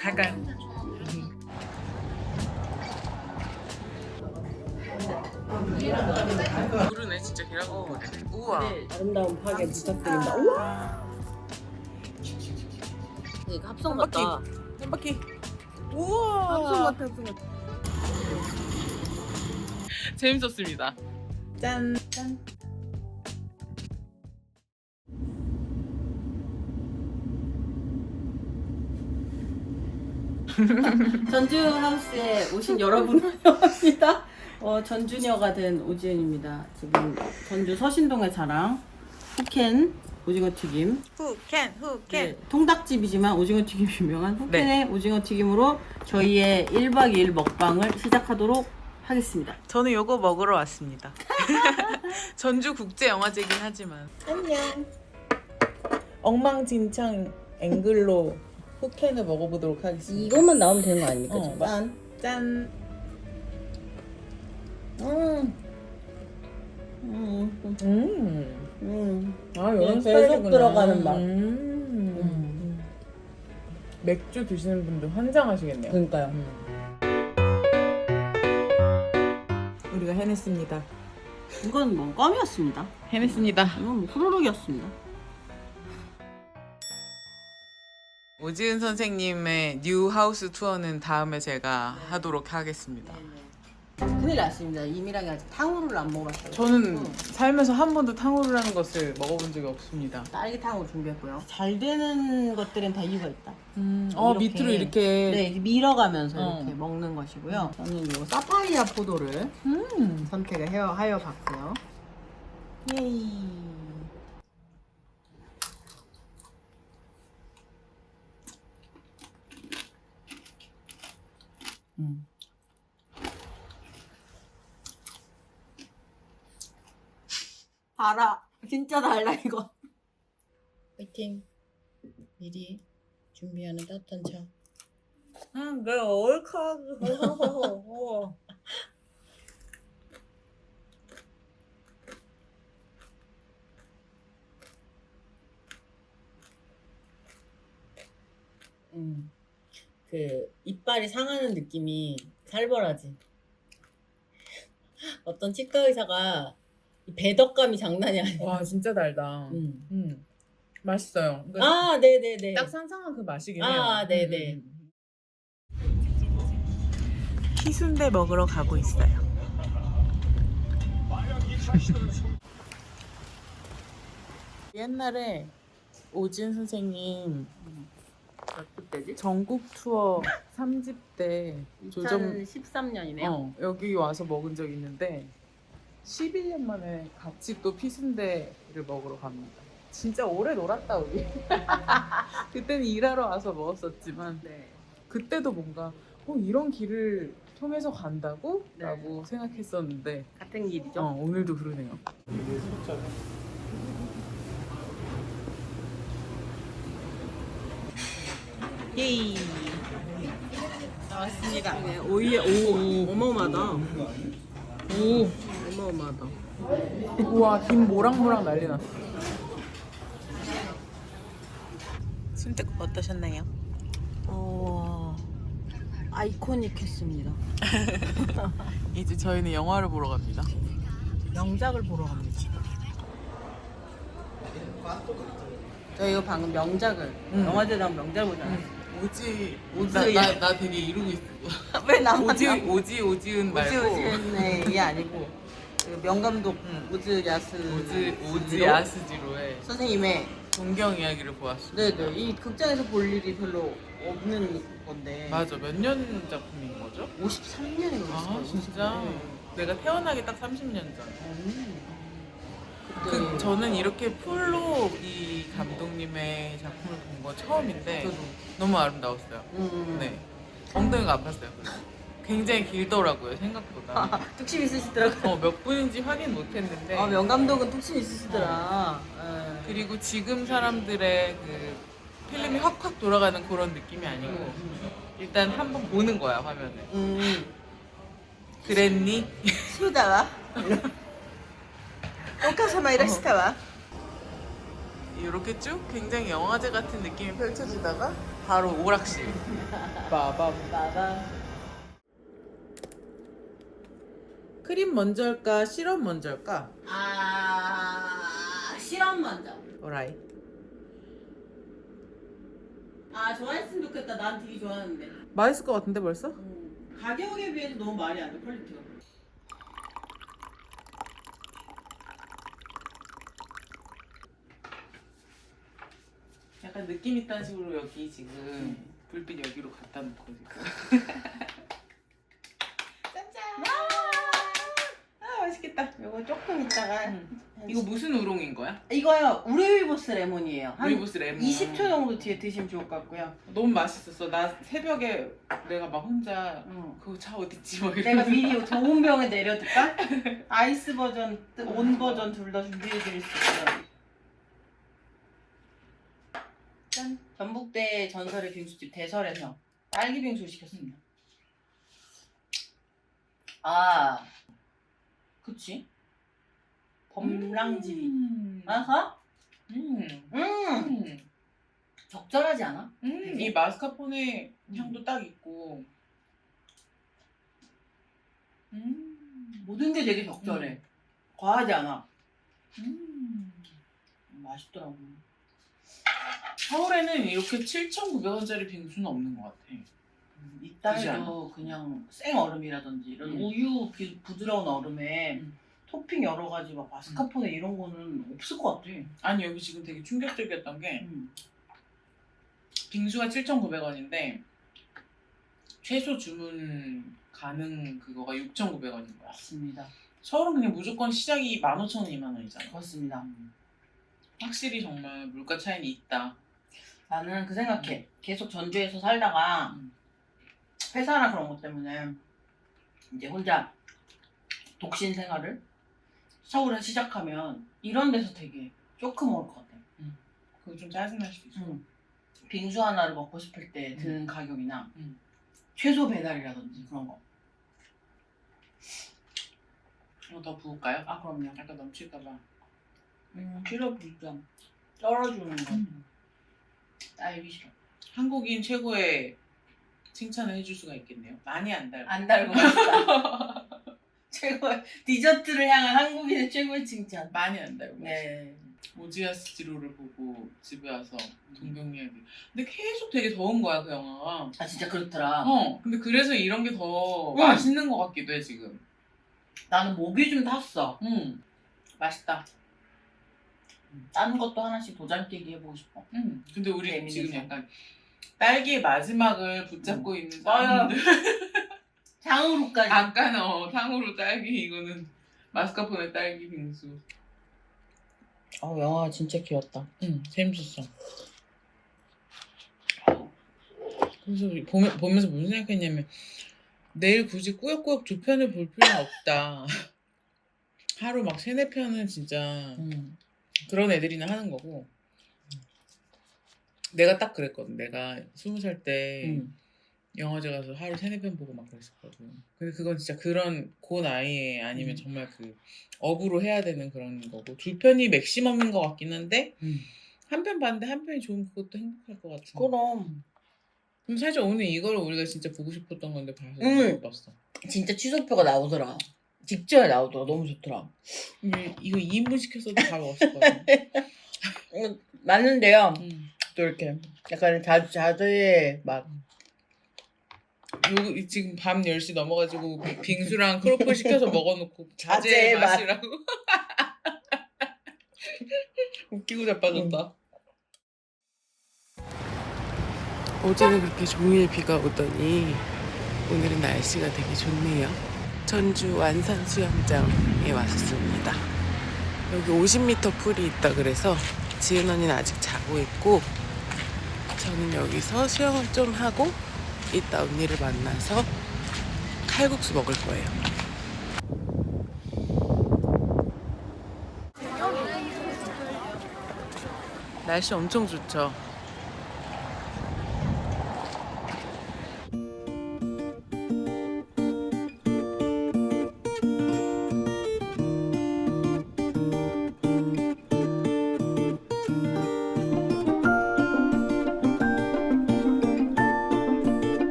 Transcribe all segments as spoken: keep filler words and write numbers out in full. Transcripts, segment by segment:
갈까요? 모르네 진짜 계란국 거리네. 우와. 네, 아름다운 파괴 부탁드립니다. 우와. 네, 합성 한 바퀴. 같다. 한 바퀴. 우와. 합성 같아, 합성 같아. 재밌었습니다. 짠. 짠. 전주 하우스에 오신 여러분 환영합니다. 어, 전주녀가 된 오지은입니다. 지금 전주 서신동의 자랑 후켄 오징어 튀김. 후캔 후캔. 네, 통닭집이지만 오징어 튀김 유명한 후켄의 오징어 튀김으로 저희의 일 박 이 일 먹방을 시작하도록 하겠습니다. 저는 요거 먹으러 왔습니다. 전주 국제 영화제긴 하지만. 안녕. 엉망진창 앵글로 후켄을 먹어보도록 하겠습니다. 이것만 나오면 되는 거 아닙니까? 어, 지금? 짠. 짠. 음. 음. 음. 음. 아, 그냥 이런 계속 스타일이구나. 들어가는 맛. 음. 음. 맥주 드시는 분들 환장하시겠네요. 그러니까요. 음. 우리가 해냈습니다. 이건 뭐 껌이었습니다. 해냈습니다. 이건 뭐 후루룩이었습니다. 오지은 선생님의 뉴 하우스 투어는 다음에 제가 하도록 하겠습니다. 큰일 났습니다. 이미랑이 아직 탕후루를 안 먹어봤어요. 저는 응. 살면서 한 번도 탕후루라는 것을 먹어본 적이 없습니다. 딸기탕으로 준비했고요. 잘 되는 것들은 다 이유가 있다. 음, 어 이렇게. 밑으로 이렇게. 네, 이렇게 밀어가면서 어. 이렇게 먹는 것이고요. 저는 이 사파이아 포도를 음. 선택을 해요, 하여 봤고요. 예이. 음. 달아. 진짜 달라 이거. 화이팅. 미리 준비하는 따뜻한 차. 음, 내 얼카. 음. 그 이빨이 상하는 느낌이 살벌하지. 어떤 치과 의사가 이 배덕감이 장난이 아니야. 와, 진짜 달다. 음. 음. 맛있어요. 그러니까 아, 네네네. 딱 상상한 그 맛이긴 해요. 아, 네네. 음, 피순대 먹으러 가고 있어요. 옛날에 오진 선생님 그때지? 전국 투어 삼 집 때 조정 이천십삼 년이네요. 어, 여기 와서 먹은 적 있는데 십일 년 만에 같이 또 피순대를 먹으러 갑니다. 진짜 오래 놀았다 우리. 그때는 일하러 와서 먹었었지만 네. 그때도 뭔가 어, 이런 길을 통해서 간다고? 네. 라고 생각했었는데 같은 길이죠. 어, 오늘도 그러네요. 예이. 나왔습니다. 네, 오이에 오 어마어마하다. 오, 어마어마하다. 우와, 김 모락모락 난리 났어. 순댓국 어떠셨나요? 어 아이코닉했습니다. 이제 저희는 영화를 보러 갑니다. 명작을 보러 갑니다. 저희가 방금 명작을 응. 영화제 나온 명작을 보지 않았어요? 오지 오지- 나, 나, 나 되게 이루고 있어. 왜 나만 오지 남- 오지 오지은 말고 오지오지네 이게 아니고 그 명감독 응. 오즈 야스 오지 오지 야스지로의 선생님의 동경 이야기를 보았어. 네네 이 극장에서 볼 일이 별로 없는 건데 맞아, 몇 년 작품인 거죠? 오십삼 년에 아 진짜 내가 태어나기 딱 삼십 년 전. 그때 그 저는 이렇게 풀로 이 감독님의 작품을 본 거 처음인데 저도. 너무 아름다웠어요. 음. 네, 엉덩이가 아팠어요. 굉장히 길더라고요 생각보다. 뚝심 있으시더라고요. 어, 몇 분인지 확인 못했는데. 아 명감독은 뚝심 있으시더라. 예. 그리고 지금 사람들의 그 필름이 확확 돌아가는 그런 느낌이 아니고 일단 한번 보는 거야 화면을. 음. 그랬니? 수다와 오카사마 이라시타와 이렇게 쭉 굉장히 영화제 같은 느낌이 펼쳐지다가 바로 오락실. 빠밤. 빠밤. 크림 먼저 할까? 시럽 먼저 할까? 아, 실험 먼저. 오라이. 아, 좋아했으면 좋겠다. 난 되게 좋아하는데. 맛있을 것 같은데 벌써? 음, 가격에 비해서 너무 말이 안 돼, 퀄리티가. 약간 느낌 있다는 식으로 여기 지금 불빛 여기로 갖다 놓고 지금. 짠짠. 아 맛있겠다. 이거 조금 있다가. 음. 이거 무슨 우롱인 거야? 이거요, 우레위보스 레몬이에요. 한 루이보스 레몬. 이십 초 정도 뒤에 드시면 좋을 것 같고요. 너무 맛있었어. 나 새벽에 내가 막 혼자 응. 그거 차 어딨지 막 내가 미리 좋은 병에 내려둘까? 아이스 버전, 온 버전 둘 다 준비해드릴 수 있어요. 짠! 전북대 전설의 빙수집 대설에서 딸기 빙수를 시켰습니다. 아, 그치? 범랑지리. 음. 아하? 음. 음, 음. 적절하지 않아? 음. 이 마스카포네 향도 딱 있고. 음. 모든 게 되게 적절해. 음. 과하지 않아. 음. 맛있더라고. 서울에는 이렇게 칠천구백 원짜리 빙수는 없는 것 같아. 음, 있다 그지 해도 그냥 생 얼음이라든지 이런 음. 우유 비- 부드러운 얼음에 음. 토핑 여러 가지 막 마스카포네 이런 거는 없을 것 같아. 아니 여기 지금 되게 충격적이었던 게 음. 빙수가 칠천구백 원인데 최소 주문 가능 그거가 육천구백 원인 거야. 맞습니다. 서울은 그냥 무조건 시작이 만 오천 원, 이만 원이잖아. 그렇습니다. 확실히 정말 물가 차이는 있다. 나는 그 생각해. 계속 전주에서 살다가 음. 회사나 그런 것 때문에 이제 혼자 독신 생활을 서울에 시작하면 이런 데서 되게 조금 먹을 것 같아. 그거 좀 짜증날 수도 있어. 음. 빙수 하나를 먹고 싶을 때 음. 드는 가격이나 음. 최소 배달이라든지 그런 거. 이거 더 부을까요? 아, 그럼요. 약간 넘칠까봐. 음, 시럽 좀 떨어주는 거. 음. 딸기 시럽. 한국인 최고의 칭찬을 해줄 수가 있겠네요. 많이 안 달고. 안 달고 맛있다. 최고의 디저트를 향한 한국인의 최고의 칭찬. 많이 안 달고. 네. 오지아스 지로를 보고 집에 와서 동경 이야기. 근데 계속 되게 더운 거야 그 영화가. 아, 진짜 그렇더라. 어. 근데 그래서 이런 게 더 응. 맛있는 것 같기도 해 지금. 나는 목이 좀 탔어. 음. 맛있다. 다른 것도 하나씩 도장 깨기 해보고 싶어. 음. 근데 우리 재밌는 지금 거. 약간 딸기의 마지막을 붙잡고 있는 맞아요. 사람들. 장으로까지. 아까는 어, 탕후루 딸기 이거는 마스카포네 딸기 빙수. 어, 영화 진짜 길었다. 응, 재밌었어. 그래서 보면, 보면서 무슨 생각했냐면 내일 굳이 꾸역꾸역 두 편을 볼 필요는 없다. 하루 막 세네 편은 진짜 음. 그런 애들이나 하는 거고. 내가 딱 그랬거든. 내가 스무 살 때 음. 영화제 가서 하루 세네 편 보고 막 그랬었거든. 근데 그건 진짜 그런 그 나이에 아니면 음. 정말 그 업으로 해야 되는 그런 거고 두 편이 맥시멈인 것 같긴 한데 음. 한 편 봤는데 한 편이 좋으면 그것도 행복할 것 같아. 그럼 그럼 사실 오늘 이걸 우리가 진짜 보고 싶었던 건데 봐서 음. 못 봤어. 진짜 취소표가 나오더라. 직전에 나오더라. 너무 좋더라. 이게 이거 이 인분 시켰어도 다 먹었을 거야. 음, 맞는데요. 음. 또 이렇게 약간 자, 자두의 맛. 요 지금 밤 열 시 넘어가지고 빙수랑 크로플 시켜서 먹어놓고 자제의 자제의 맛. 맛이라고. 웃기고 자빠졌다. 어제는 그렇게 종일 비가 오더니 오늘은 날씨가 되게 좋네요. 전주 완산 수영장에 왔습니다. 여기 오십 미터 풀이 있다 그래서 지은 언니는 아직 자고 있고 저는 여기서 수영을 좀 하고 이따 언니를 만나서 칼국수 먹을 거예요. 날씨 엄청 좋죠?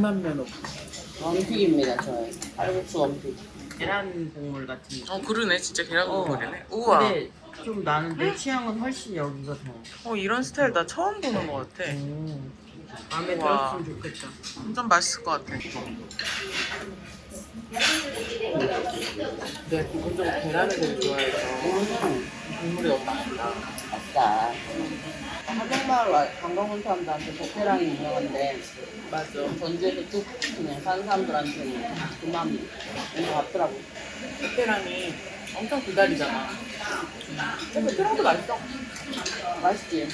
진한 면허. 원픽입니다, 저. 칼국수 원픽. 계란 국물 같은 거. 어 그러네 진짜 계란 어. 국물이네. 우와. 근데 좀 나는 내 취향은 훨씬 여기가 더. 어 이런 스타일 나 처음 보는 것 같아. 음. 마음에 우와. 들었으면 좋겠다. 완전 맛있을 것 같아. 내가 기본적으로 계란을 되게 좋아해서 국물이 너무 맛있다. 맞다. 하정마을 와- 관광 온 사람들한테 베테랑이 유명한데 맞아. 전주에서 쭉 그냥 사는 사람들한테는 그만 뭔가 같더라고. 베테랑이 엄청 기다리잖아. 근데 베테랑도 맛있어. 맛있지?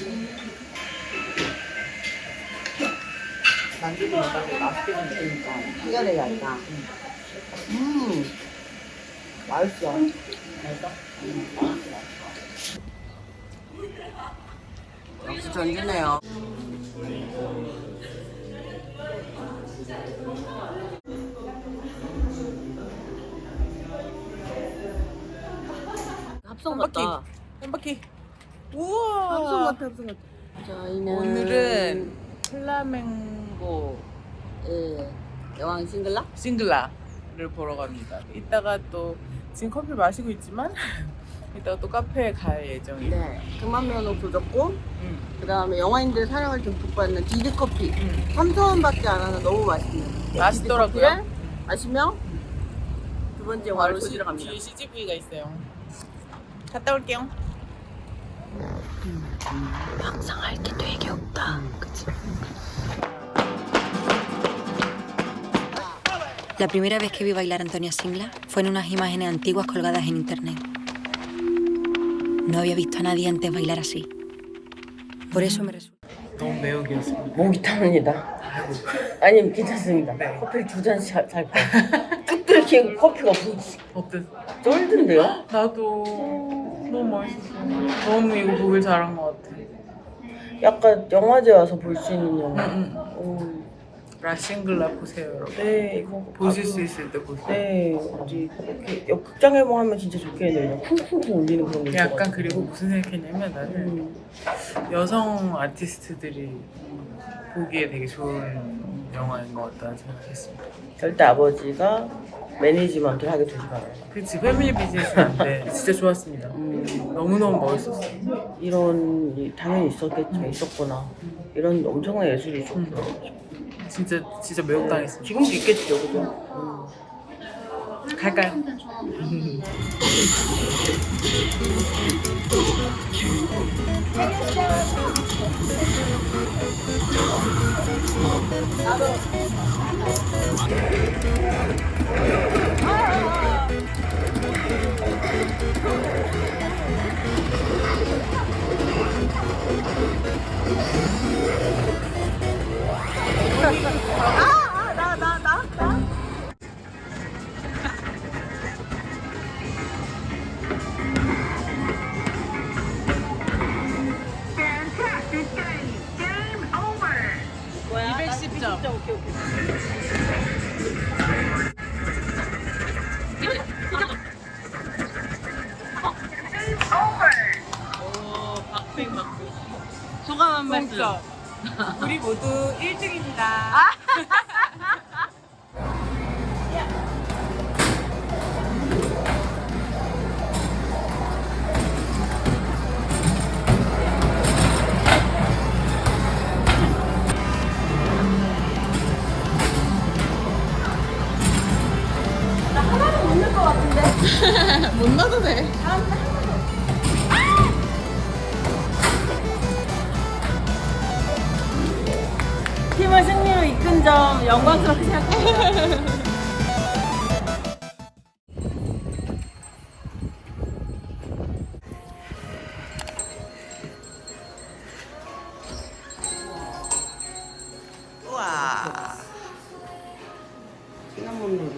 만두보다 되게 맛있게 생겼어. 그러니까 특이하게 아니다. 음 맛있어. 맛있어? 음 맛있어. 역시 전주네요. 합성 한 바퀴. 같다. 한 바퀴. 우와. 합성 같아, 합성 같아. 저희는 오늘은 플라멩고 예, 여왕 싱글라? 싱글라를 보러 갑니다. 이따가 또 지금 커피 마시고 있지만 이따가 또 카페에 갈 예정이에요. 네, 그만 면허 조졌고 음. 그 다음에 영화인들 사랑을 듬뿍 받는 디드커피 음. 삼천 원밖에 안 하는 너무 맛있는 맛있더라고요. 디드커피를 마시며 두 번째 바로 영화를 시, 보시러 갑니다. 뒤에 씨지브이가 있어요. 갔다 올게요. 항상할 게 되게 없다. 그치? La primera vez que vi bailar a Antonia Singla fue en unas imágenes antiguas colgadas en internet. No había visto a nadie antes bailar así. Por eso me resulta... 너무 매우기였습니다. 목이 타는이다. 아니면 괜찮습니다. 네. 커피를 두 잔씩 살 거야. 뚝 들키고 커피가 없어. 어땠어? 쫄든데요? 나도 너무 맛있었어. 너무 이거 보길 잘한 것 같아. 약간 영화제 와서 볼 수 있는 영화. 응, 응. 오, 라싱글라 보세요, 여러분. 네, 이거 보실 아주- 수 있을 때 보세요. 네, 어디 이렇게 역- 극장에만 하면 진짜 좋겠네요. 쿵쿵쿵 울리는 그런 거. 약간 있어가지고. 그리고 무슨 생각했냐면 나는 음, 여성 아티스트들이 보기에 되게 좋은 영화인 것 같다는 생각했습니다. 절대 아버지가 매니지먼트를 하게 두지 말아요. 그치, 패밀리 비즈니스는 안 돼. 진짜 좋았습니다. 음, 너무너무 멋있었어. 이런 일이 당연히 있었겠지만 있었구나. 이런 엄청난 예술이 있었구나. 진짜, 진짜 매혹당했습니다. 지금도 있겠죠, 그죠? 갈까요? 이백십 점. 오케이, 오케이. 오, 박빙 박빙. 소감 한 말씀. 진짜. 우리 모두 일 등입니다. 못 넣어도 돼. 팀을 승리로 이끈 점 영광스럽게 생각합니다. 우와. 시나몬 롤.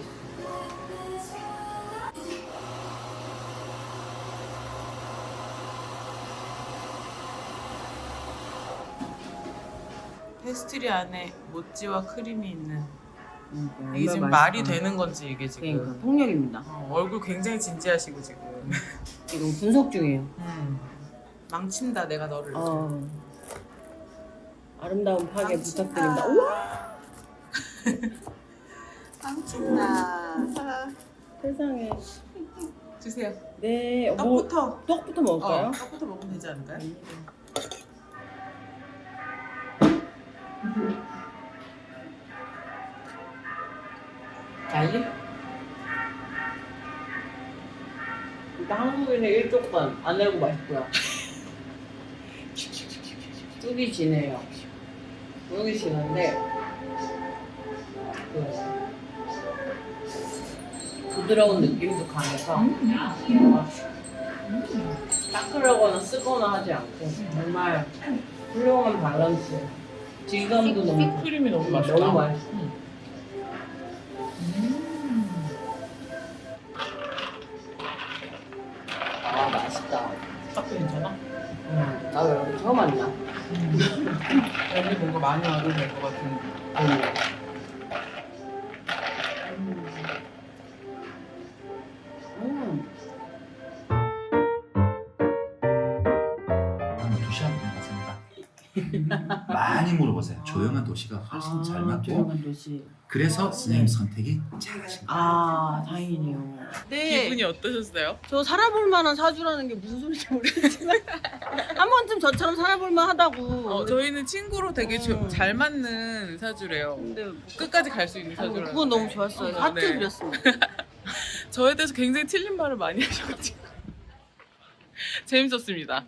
페스트리 안에 모찌와 크림이 있는 음, 이게 지금 말이 되는 건지 이게 지금 그러니까 폭력입니다. 어, 얼굴 굉장히 진지하시고 지금 이거 분석 중이에요. 음. 망친다 내가 너를 어. 아름다운 파괴 부탁드립니다. 우와! 깜찍나. 세상에. 주세요. 네. 뭐 떡부터. 떡부터 먹을까요? 어, 떡부터 먹으면 되지 않을까요? 알리? 일단 한국인의 일족반 안 내고 맛있고요. 뚝이 진해요. 뚝이 진한데 그 부드러운 느낌도 강해서 따끈하거나 쓰거나 하지 않고 정말 훌륭한 밸런스. 질감도 너무 크림이 너무 너무 맛있어. 아 맛있다. 떡도 괜찮아? 응. 나 왜 여기 처음 왔냐? 여기 뭔가 많이 와도 될 것 같은. 음. 한 두 시간 같습니다. 많이 물어보세요. 조용한 도시가 훨씬 잘 맞고 조용한 도시. 그래서 선생님 선택이 잘하신 거예요. 아 다행이네요. 네. 기분이 어떠셨어요? 저 살아볼 만한 사주라는 게 무슨 소리인지 모르겠지만 한 번쯤 저처럼 살아볼 만하다고. 어, 저희는 친구로 되게 조- 음. 잘 맞는 사주래요. 근데 뭐 끝까지 갈 수 있는 사주라요. 그건 너무 좋았어요. 하트 네. 드렸습니다. 저에 대해서 굉장히 틀린 말을 많이 하셔가지고 재밌었습니다.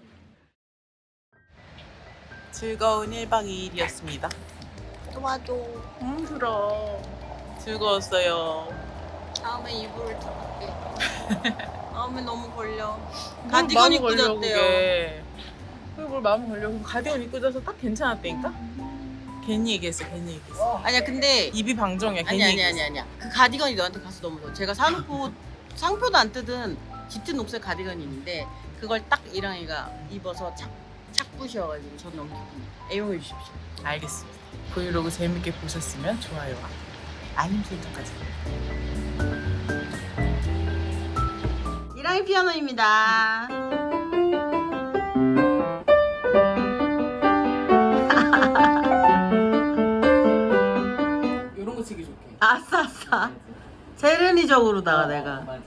즐거운 일 박 이 일이었습니다. 도와줘. 힘들어. 즐거웠어요. 다음에 이불을 잡을게. 다음에 너무 걸려. 뭘 가디건 마음 입고 걸려, 잤대요. 그게. 그게 뭘 마음 걸려. 그럼 가디건 입고 자서 딱 괜찮았다니까? 괜히 얘기했어, 괜히 얘기했어. 아니야 근데 입이 방정이야, 괜히 아니 아니 얘기했어. 아니 아니야. 그 가디건이 너한테 가서 너무 좋아. 제가 사놓고 상표도 안 뜯은 짙은 녹색 가디건이 있는데 그걸 딱 이랑이가 입어서 착, 착 부셔가지고 전 너무 기쁩니다. 애용해 주십시오. 알겠습니다. 브이로그 재밌게 보셨으면 좋아요와 알림 설정까지. 이랑이 피아노입니다. 이런 거 치기 좋게. 아싸 아싸. 세련이적으로다가 내가. 맞아.